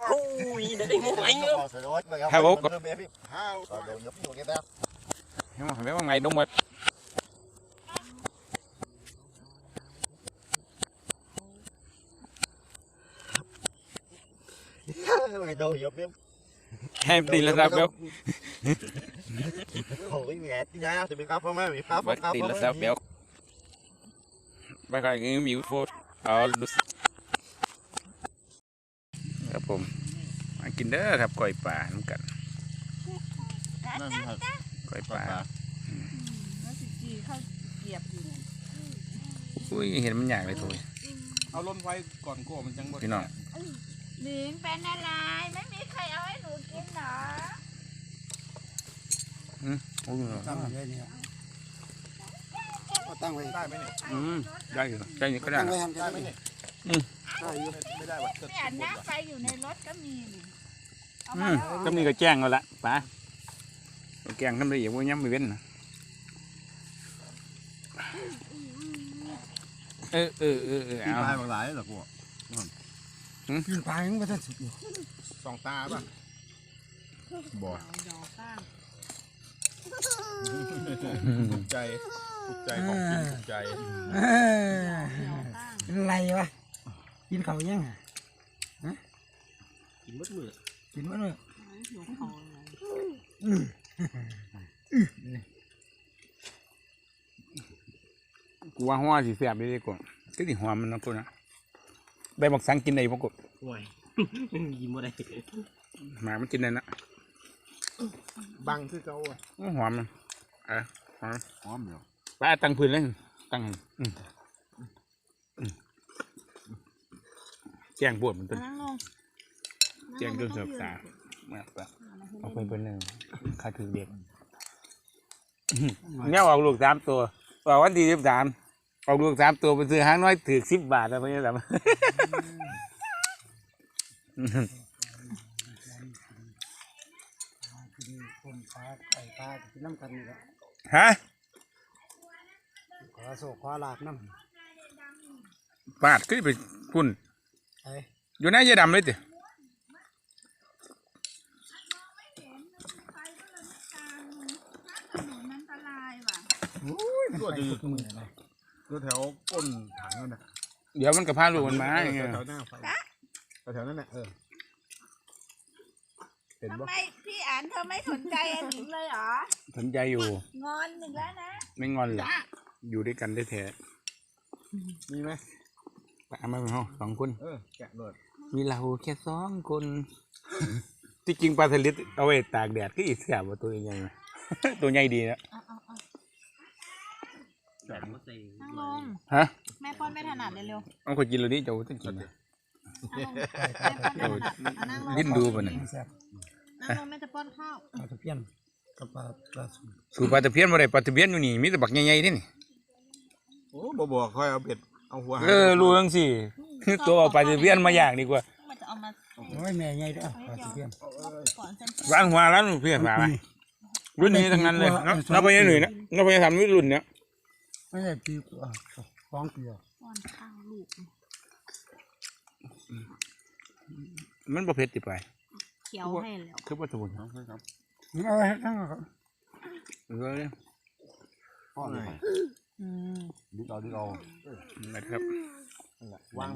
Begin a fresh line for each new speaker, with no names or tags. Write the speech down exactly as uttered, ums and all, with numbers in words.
Ui, để đi mua anh nữa.
Hai bố con.
Nhưng mà phải biết bằng ngày đông mệt.
Mày đâu hiểu biết.
Em đi là sao béo.
Ôi mẹ nha, thì bị khóc không mấy bị khóc
Bắt đi là sao béo. Bác cái cái miếng phốt. Ờ, đúng. ครับผมมากินเด้อครับก้อยปลาน้ำกันก้อยปลา
แล้วสิจีเขาเกียบอยู่
อุ้ยเห็นมันใหญ่เลยทุย
เอาล้นไว้ก่อนโก้มันจังบ่
พี่น้อง
หนิงเป็นอะไรไม่มีใครเอาให้หนูกินเหรอ
อืมโอ้ย
ตั้งไว้เนี่ยตั้งไว้ได้ไหมเนี่ย
อืมได้อยู่ได้อยู่ก็ได้
ตั้งไว้ทำได้ไหมเนี่ยได้อยู่ไม่ได้ว่ะ
เนี่ยน้ำไฟอยู่ในรถก็มีนี่เอา
อื
มาม แล้ว
ก็มีกระแจ้งแล้วละปลาแกงทำได้อย่างว่าย้ำไม่เว้นนะเออเออเออเออ
ปีน
เอา
ปลายบางหลายหรอกูปีนปลายยังไม่ทันสุดอยู่
สองตาป่ะบ่
ดอกก้าง
ถูกใจถูกใจของกินถูกใจ
ดอกก้าง
อะไรวะกินเขายัง
กินมดมือ
กินมั้ยเนี่ย
หิวเขาเลย
กูว่าหัวสีเสียบไปดีกว่าก็สีหัวมันนะกูนะใบบักสังกินได้ปะกู
ห่วยกินบ่ได้
หมามันกินได้นะ
บังคือเก่าอ่ะ
หัวมันเออหัว
หอมเดียว
ปลาตั้งพื้นเลยตั้งอืมอืมแจ้งปวดมันต้น
นั่งลง
แจ้งจนเสือกตามาปะเอาไปเป็นหนึ่งค่าถือเด็กเนี่ยออกลูกสามตัวออกวันที่สิบสามออกลูกสามตัวไปซื้อห้างน้อยถือสิบบาทแล้วเพื่อนแบบ
คนปลาไก่ปลากินน้ำกันนี่แหละ
ฮะ
ขอโศกขอลาบน้
ปาดขึ้นไปพุ่น
ำไอ้
อยู่ในยาดำเลยติ
ถนนอันตรายว่ะ
ตัวดี
มืออะไร
ตัวแถวก้นถังนั่นน่ะ
เดี๋ยวมันกับพาลูกมันมาอย่างเงี้ย
แถวหน้าไฟแถวนั้นน่ะเออเห็น
ทำ
บ่
ไมพี่อ่านเธอไม่สนใจอันหนิงเลยเหรอ
สนใจอยู่
งอนหนึ่งแล้วนะ
ไม่งอนหรอกอยู่ด้วยกันได้แท้
มีไหม
ปลามาเป็นห้องสองคน
เออแกะเลย
มีเราแค่สองคน ที่จริงปลาสลิดเอาไว้ตากแดดก็อีกแสบว่าตัวใหญ่ ตัวใหญ่ดีนะ
เอาเอาเอา
แกะ
นั่งลง
ฮะ
แม่ป้อนไม่ถนัดเลยเร็ว
เอาคนกินเราดิเจ้าต้องกินนะ
นั่งลงแม่ป้อนไม่ถนัดอ่ะนั่งลง
ดิ้นดูป่ะเนี่ย
แซ่บ
นั่งลงแม่จะป้อนข้าว
ปลาตะเพียนกับปลาปลาสูง
สูปลาตะเพียนมาได้ปลาตะเพียนอยู่นี่มีแต่บักใหญ่ๆนี่นี่
โอ้บ่บอกค่อยเอาเบ็ดเอาหัว
เออรู้จังสิตัวเอาปลาตะเพียนมาอย่างดีกว่า
มันจะเอามา
โอ้ยแม่ใหญ่เด้อปลาตะเพียน
ก่อนเส้น
ร้านหัวร้านเพียนมาไหมรุ่นนี้ทั้งนั้นเลยนับไปยังหนึ่งนะนับไปยังทำรุ่นเนี้ย
ไม่ใช่ปีกว่าสองปี
ป้อนข้าวลูก
มันประเภทติไป
เคี้ยวให้แล้ว
คือวัตถุมงคล
ครับ
นี่เอาไว้ทั้งครับ
เออเนี่ย
พ่อเลย
อืม
ดิเอาดิเอา
นะครับ
วาง